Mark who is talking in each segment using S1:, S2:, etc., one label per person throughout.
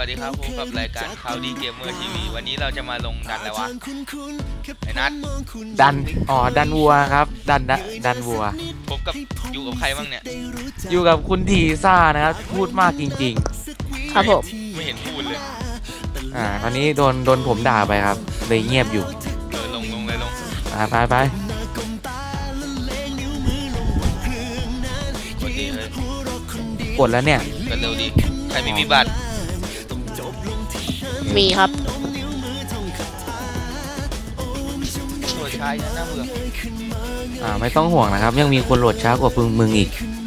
S1: วัสดีครับพบกับรายการข่าวดีเกมเมอร์ทีวีวันนี้เราจะมาลงดันแล้ววะไอ้นัท
S2: ดันดันวัวครับดันวัว
S1: พบกับอยู่กับใครบ้างเนี่ย
S2: อยู่กับคุณทีซ่านะครับพูดมากจริง
S3: ๆครับผม
S1: ไม่เห็นพูดเลย
S2: ตอนนี้โดนผมด่าไปครับเลยเงียบอยู่
S1: ลงเลยลง
S2: ไป
S1: กดดีเลย
S2: กดแล้วเนี่ย
S1: กันเร็วดีใครมีบัตร
S3: มีครับ
S1: โหลดช้าน่าเบื่อ
S2: ไม่ต้องห่วงนะครับยังมีคนโหลดช้ากว่ามึงอีก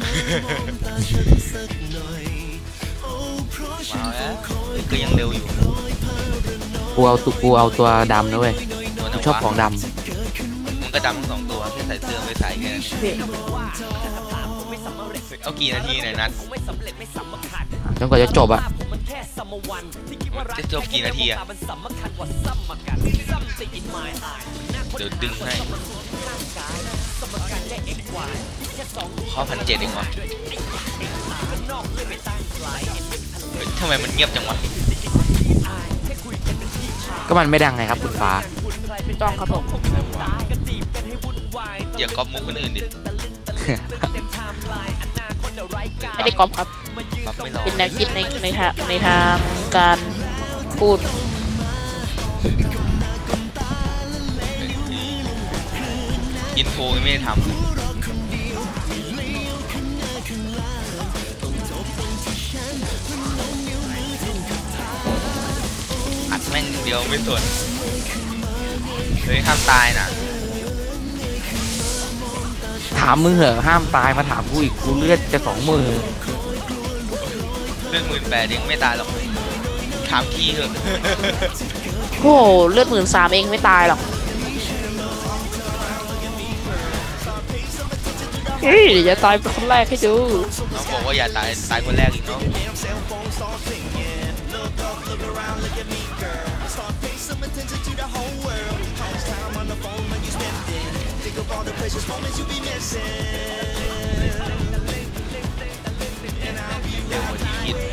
S1: มาแล้วก็ยังเร็วอยู่
S2: กูเอาตัวดำนะเว้ยชอบของดำ
S1: มึงก็ดำทั้ง2ตัวแค่ใส่เสื้อไม่ใส่แค่นั้นเอากี่นาทีหน่อยนัด
S2: จนกว่าจะจบอะ
S1: จะจบกี่นาทีอะเดี๋ยวดึงให้ข้อ1,700เองวะทำไมมันเงียบจังวะ
S2: ก็มันไม่ดังไงครับคุณฟ้า
S3: ต้องครับผม
S1: อย่าก๊อปมุกคนอื่นดิ
S3: ไม่ได้ก๊อปครับเป็นแนวคิดในทางการพูด
S1: อินโทรไม่ได้ทำอัดแม่งเดียวไม่สนเฮ้ยห้ามตายนะ
S2: ถามมึงเหรอห้ามตายมาถามกูอีกกูเลือดจะ20,000
S1: เลือด18,000ยังไม่ตายหรอกถามพี่เถอะ
S3: โอ้เลือด13,000เองไม่ตายหรอกเฮ้ยอย่าตายเป็นคนแรกให้ดู
S1: น้องบอกว่าอย่าตายคนแรกอีกเนาะเร็วกว่าที่คิด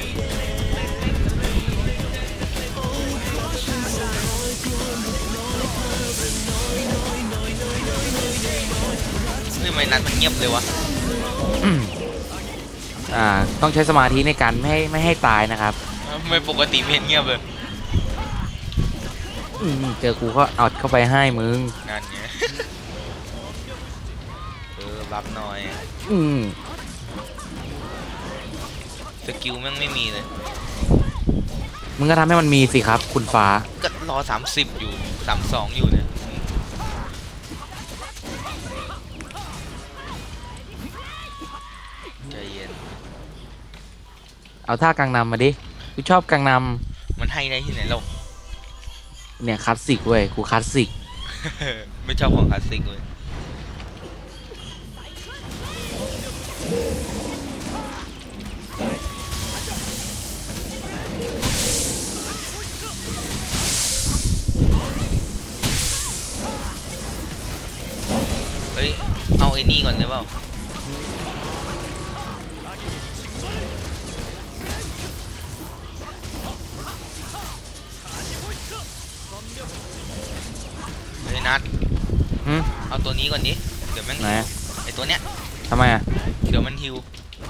S1: ทำไมนัดมันเงียบเลยวะ
S2: ต้องใช้สมาธิในการไม่ให้ตายนะครับ
S1: ไม่ปกติไม่เห็นเงียบเลย
S2: เจอกูก็เอาเข้าไปให้มึง
S1: งานเงี้ยรับหน่อยสกิลแม่งไม่มีเลย
S2: มึงก็ทำให้มันมีสิครับคุณฟ้า
S1: ก็รอ30อยู่32อยู่เนี่ยใจเย็น
S2: เอาท่ากังนำมาดิกูชอบกังน
S1: ำมันให้ได้ที่ไหนเรา
S2: เนี่ยคลาสสิกเว้ยกูคลาสสิก
S1: ไม่ชอบของคลาสสิกเลยเฮ้ยเอาไอ้นี่ก่อนได้เปล่านัดเอาตัวนี้ก่อนดิเดี๋ยวแม่งไอตัวเนี้ย
S2: ทำไมอ่ะ
S1: เดี๋ยวมันฮิว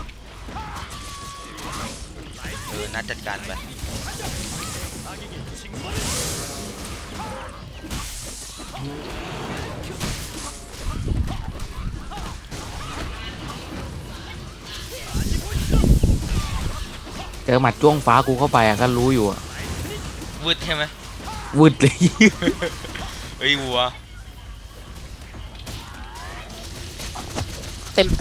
S1: นัดจัดการไป
S2: เจอหมัดจ้วงฟ้ากูเข้าไปก็รู้อยู่อ่ะ
S1: วืดใช่ไหม
S2: วืดเลย
S1: เฮ้ยวัว
S3: เต็ม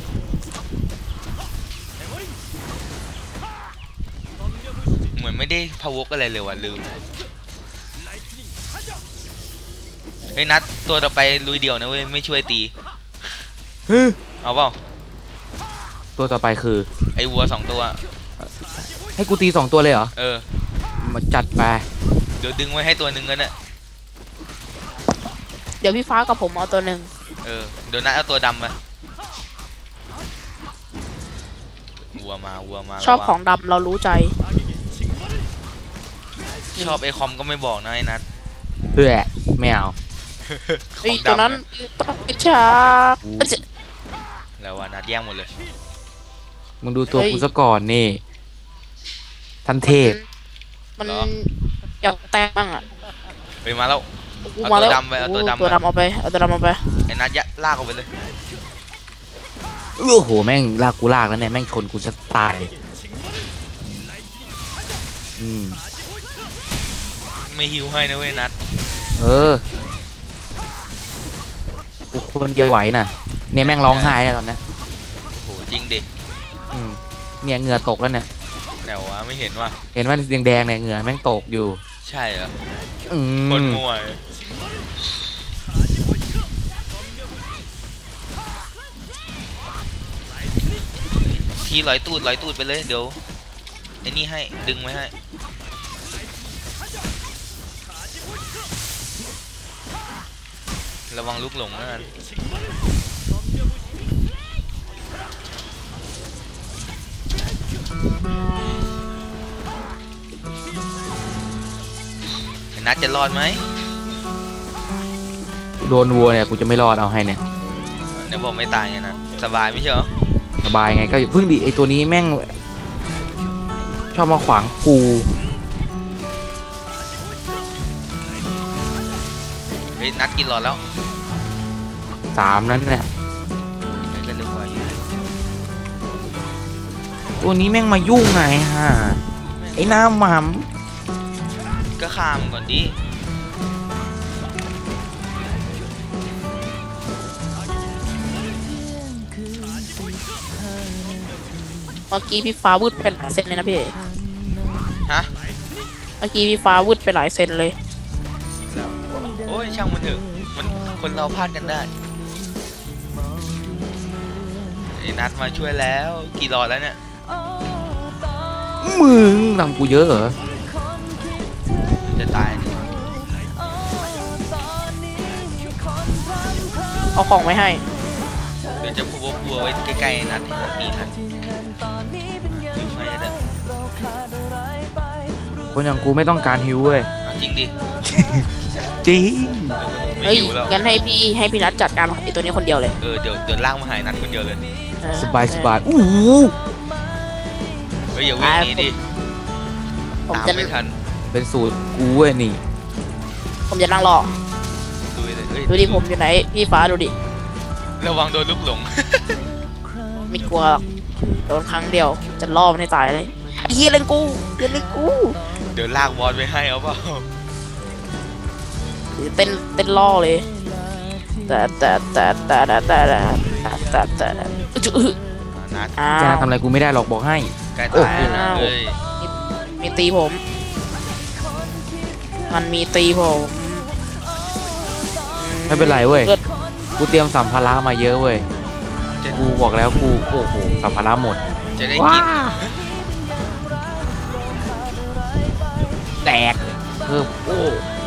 S1: เหมือนไม่ได้พาวกอะไรเลยว่ะลืมเฮ้ยนัดตัวต่อไปลุยเดี่ยวนะเว้ยไม่ช่วยตีเอาเปล่า
S2: ตัวต่อไปคือ
S1: ไอ้วัว2ตัว
S2: ให้กูตี2ตัวเลยเหรอมาจัดไป
S1: เดี๋ยวดึงไว้ให้ตัวหนึ่งกันนะ
S3: เดี๋ยวพี่ฟ้ากับผมเอาตัวหนึ่ง
S1: เดี๋ยวนัดเอาตัวดำมาวัวมา
S3: ชอบของดำเรารู้ใจ
S1: ชอบไอคอมก็ไม่บอกนะไอ้นัท
S2: เพื่อไม่เอา
S3: เฮ้ย
S1: ของ
S3: ตัว
S1: ดำ
S3: นั้น
S1: นะ
S3: ต้องกระชาก
S1: แล้วว่านัดแย่งหมดเลย
S2: มึงดูตัวกูซะก่อนนี่ทันเทพ
S3: มัน
S1: เหรอ
S3: อยากแตกบ้างอ่ะ
S1: ไปมาแล้ว
S3: กู
S1: เอา
S3: มาแล้ว
S1: ตัวดำไปเอาตัวดำ
S3: ตัวดำเอาไปเอาตัวดำเอาไป
S1: ไอ้นัดยะลากออกไปเลย
S2: โอ้โหแม่งลากกูลากแล้วเนี่ยแม่งชนกูจะตายอืม
S1: ไม่ฮิวให้นะเว้ยนัด
S2: เออกูคนเดียวไหวน่ะเนี่ยแม่งร้องไห้แล้วตอนเนี้ย
S1: โหจริงดิ
S2: อืมเนี่ยเหงื่อตกแล้วเนี่ย
S1: แต่ว่าไม่เห็นว่า
S2: เห็นว่าแดงๆเนี่ยเหงื่อแม่งตกอยู่
S1: ใช่เหรอ
S2: อื
S1: คน
S2: ม
S1: มั่วทีลอยตูดไปเลยเดี๋ยวไอ้นี่ให้ดึงไว้ให้ระวังลูกหลงนะกันไอ้นัดจะรอดไหม
S2: โดนวัวเนี่ยกูจะไม่รอดเอาให้เนี่ย
S1: เดี๋ยวบอกไม่ตายไงนะสบายไม่ใช่เหรอ
S2: สบายไงก็เพิ่งดิไอตัวนี้แม่งชอบมาขวางกู
S1: เฮ้ยนัดกินหลอดแล้ว
S2: 3นั้นเนี่ย
S1: ไม่ก็เร็วกว่าอยู่
S2: ตัวนี้แม่งมายุ่งไงฮะไอ้หน้าหม่
S1: ก็ฆ่ามันก่อนดิ
S3: เมื่อกี้พี่ฟ้าวืดไปหลายเซนเลยนะพี่
S1: ฮะ
S3: เมื่อกี้พี่ฟ้าวืดไปหลายเซนเลย
S1: โอ้ยช่างมันเถอะมันคนเราพลาดกันได้ไอ้นัดมาช่วยแล้วกี่หลอดแล้วเนี่ย
S2: ำมึงทำกูเยอะเหรอ
S1: จะตายเนี่ย
S3: เอาของไว้ให้
S1: เดี๋ยวจะพูดว่าบัวไว้ใกล้ๆนัดให้นัดมีนัดอยู่ไหมเนี่ย
S2: คนอย่างกูไม่ต้องการฮิวเว้ย
S1: เอาจริงดิ
S2: จริง
S1: ไม่
S3: เฮ้ย
S1: อยู่แล้ว
S3: งั้นให้พี่นัทจัดการไอ้ตัวนี้คนเดียวเลย
S1: เดี๋ยวล่างมาหายนัดคนเดียวเลย
S3: เออ
S2: สบายสบายอู้หู
S1: เฮ้ยอย่าวิ่งหนีดิ
S3: ผม
S1: ตาม
S3: จะ
S1: ไม่ทัน
S2: เป็นสูตรกูเว้ยนี่
S3: ผมจะนั่งรอ
S1: ดูเลยเฮ้ย
S3: ดูดิผมอยู่ไหนพี่ฟ้าดูดิ
S1: ระวังโดนลูกหลง
S3: ไม่กลัวหรอกโดนครั้งเดียวจะล่อมันให้ตายเลยไอ้เหี้ยเล่นกูเล่นกู
S1: เดี๋ยวลากบอลไปให้เอาเปล่า
S3: เต้นล่อเลยแต่จุ๊
S1: นัด
S3: อ้า
S2: จะ
S3: ว
S2: ทำอะไรกูไม่ได้หรอกบอกให้
S1: ใกล้ตายแล้วนะเฮ้ย
S3: มีตีผม มันมีตีผม
S2: ไม่เป็นไรเว้ย
S3: ลือด
S2: กูเตรียมสัมภาระมาเยอะเว้ย
S1: จะ
S2: กูบอกแล้วกูโอ้โหสัมภาระหมด
S1: จะได้
S2: ว้า
S1: กิน
S2: แตกเพิ่มโอ้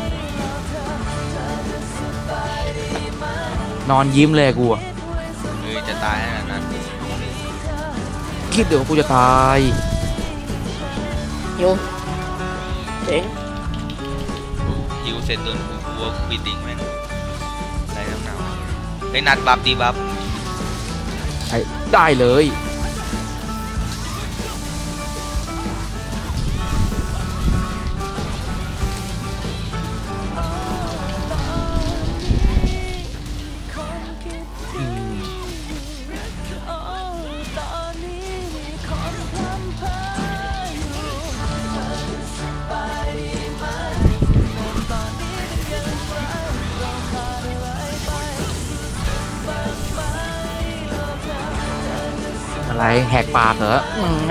S2: นอนยิ้มเลยกูอะ
S1: เฮ้ยจะตายแล้วนะนัด
S2: คิดเดี๋ยวากูจะตาย
S3: โยเจ๋ง
S1: ฮิวเสร็จโดนกูวัวบิดดิ้งแม่งไรน้ำหนาวไอ้ยนัดบัฟดีบัฟ
S2: ได้เลยอืม อะไรแหกปากเหรอให้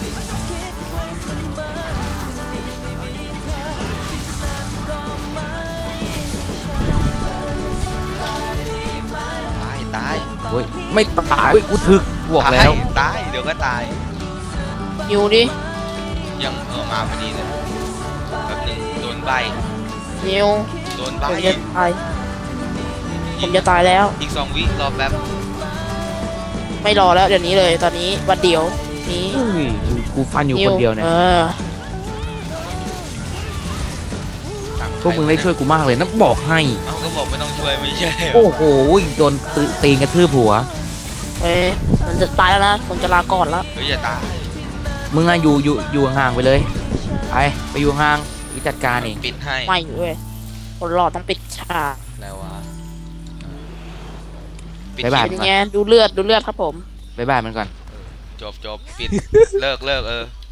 S1: ตาย
S2: เฮ้ยไม่ตายเฮ้ยกูถึกบอกแล้ว
S1: ตายเดี๋ยวก็ตาย
S3: อยู่ดิ
S1: ยังมาพอดีเลยแป๊บหนึงโดนใบ
S3: นิว
S1: โดนใบ
S3: ผมจะตายผมจะตายแล้ว
S1: อีก2 วิรอแป๊บ
S3: ไม่รอแล้วเดี๋ยวนี้เลยตอนนี้วันเดียวนี้
S2: อุ้ยกูฟันอยู่คนเดียวเนี่ย
S3: ออ
S2: พวกมึงได้ช่วยกูมากเลยนะบอกให้
S1: เอ้าก็บอกไม่ต้องช่วยไม่ใช่เหรอ
S2: โอ้โหโดนตีนกระทืบหัว
S3: เอ้ยมันจะตายแล้วนะผมจะลาก่อนแล้ว
S1: เฮ้ยอย่าตาย
S2: มึงอะอยู่ห่างๆไปเลยไปอยู่ห่างวิจัดการเอง
S1: ปิดให้
S3: ไม่เว้ยคนรอดต้องปิดฉาก
S1: แล้ววะปิด
S2: บ๊ายบาย
S3: เป็นยังไงดูเลือดครับผม
S2: บ๊ายบายมันก่อน
S1: จบปิด เลิก